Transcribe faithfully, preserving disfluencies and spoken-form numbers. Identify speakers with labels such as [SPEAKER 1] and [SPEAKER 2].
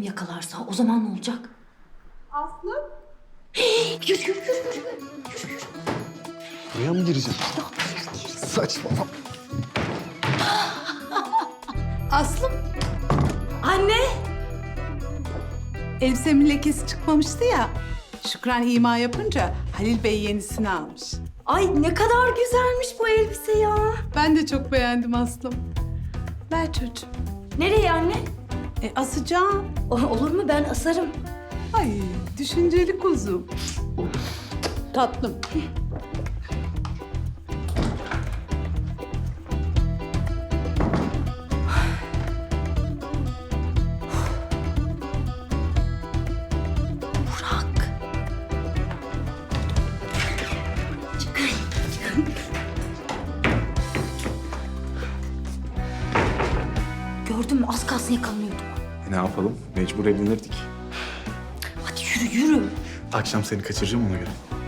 [SPEAKER 1] Kerem yakalarsa o zaman ne olacak?
[SPEAKER 2] Aslı?
[SPEAKER 1] Yürü yürü yürü yürü.
[SPEAKER 3] Buraya mı gireceğim? Saçmalama.
[SPEAKER 2] Aslım,
[SPEAKER 1] Anne!
[SPEAKER 2] elbisemin lekesi çıkmamıştı ya. Şükran ima yapınca Halil Bey yenisini almış.
[SPEAKER 1] Ay ne kadar güzelmiş bu elbise ya.
[SPEAKER 2] Ben de çok beğendim Aslım. Ver çocuğum.
[SPEAKER 1] Nereye anne?
[SPEAKER 2] E asacağım.
[SPEAKER 1] O- olur mu, ben asarım.
[SPEAKER 2] Ay düşünceli kuzum. Tatlım.
[SPEAKER 1] Burak. Gördün mü, az kalsın yakalanıyorduk.
[SPEAKER 3] E, ne yapalım? Mecbur evlenirdik.
[SPEAKER 1] Hadi yürü yürü.
[SPEAKER 3] Akşam seni kaçıracağım ona göre.